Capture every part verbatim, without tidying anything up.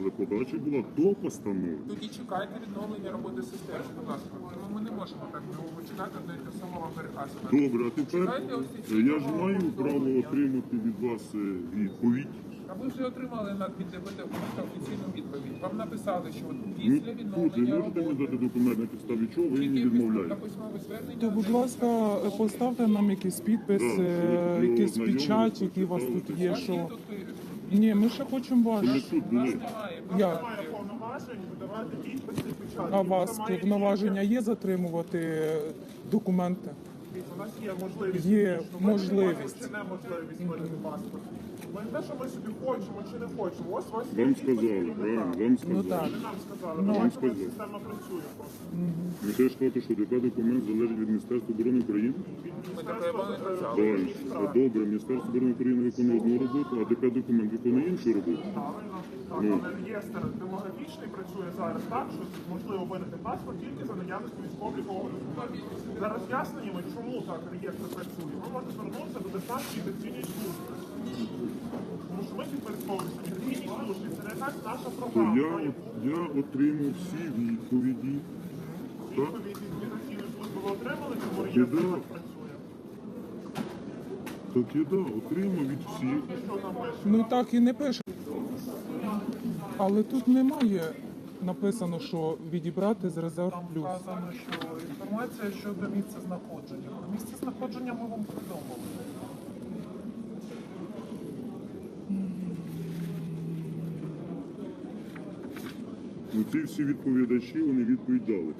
але подача була до постанови. Тоді чекайте відновлення роботи системи, будь ласка. Тому ми не можемо так довго чекати, до того самого переказувати. Добре, а тепер я ж маю право отримати від вас е, відповідь. А ви вже отримали на від ДБТ офіційну відповідь. Вам написали, що от Ну, після тут ви відновлення можете мені роботи дати документ, на підставі чого ви мені тільки після відмовляєте? письмове звернення. То, будь ласка, поставте нам якийсь підпис, Да, е, що якийсь знайомі, печать, який у вас тут є. Ваші Що... тут Ні, ми ще хочемо Ми ваш. тут були. немає. Як? Має повноважень видавати підписи і печатки. А у вас Це має повноваження є затримувати е, документи? У нас є можливість. Є Ми не можливість. можемо чи неможливість видати паспорт. Ми не те, що ми собі хочемо чи не хочемо. Ось у вас є Вам підпис сказали, керівника. правильно, вам Ну сказали. так. Ви нам сказали, Ну. ну, Вам бачимо, сказали. як система працює просто. Ви теж кажете, що такий документ залежить від Міністерства оборони України? Ми таке не казали. Правильно. А добре, Міністерство оборони України виконує одну роботу, а ДП документ виконує іншу роботу. Правильно. Так, Ну. але реєстр демографічний працює зараз так, що можливо видати паспорт тільки за наявності військово-облікового документу. За роз'ясненнями, чому так реєстр працює, ви можете звернутися до Державної міграційної служби. Тому що ми підпорядковуємося міграційній службі. Це не так наша То програма. я, от- я отримав всі відповіді. Так? Відповідь від міграційної служби ви отримали, чому Біда. реєстр так працює. Так я да, отримав від всіх. Що там пише? Ну так і не пише. Але тут немає написано, що відібрати з резерв плюс. Вказано, що інформація щодо місця знаходження. Про місце знаходження ми вам повідомили. Ну, ці всі відповідачі, вони відповідь дали.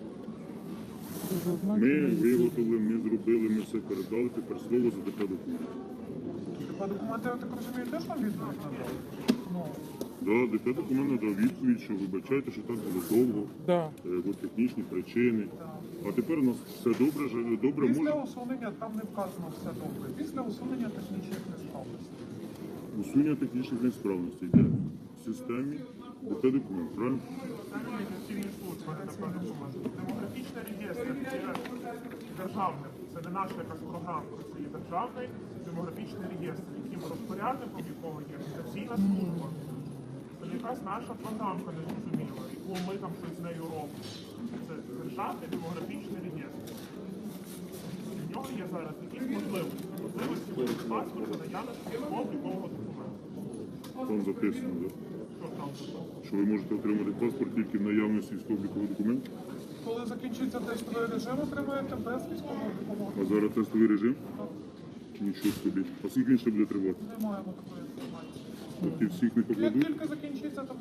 Ми виготовили, ми зробили, ми все передали, тепер слово за ДП документ. По документи, я так розумію, теж нам відповідь надали? Ну, Да, ДП документ надав відповідь, що вибачайте, що так було довго, Да. е, бо технічні причини. А тепер у нас все добре, ж- добре після може. усунення там не вказано все добре. Після усунення технічних несправностей. Усунення технічних несправностей йде в системі ДП документ, правильно? Це міграційні служби, не ДП документ. Демографічний реєстр є державним. Це не наша якась програма, це є державний демографічний реєстр, яким розпорядником якого є міграційна служба. Це не якась наша програмка незрозуміла, яку ми там щось з нею робимо. Це державний демографічний реєстр. В нього є зараз якісь можливості. Можливості видати паспорт за наявності військово-облікового документу. Там записано, да? Що там записано? Що ви можете отримати паспорт тільки в наявності військово-облікового документу. Коли закінчиться тестовий режим, отримаєте без військово-облікового А зараз тестовий режим? Нічого собі. А скільки він ще буде тривати? Не маємо такої інформації. Тобто всіх не Як покладуть? тільки закінчиться, то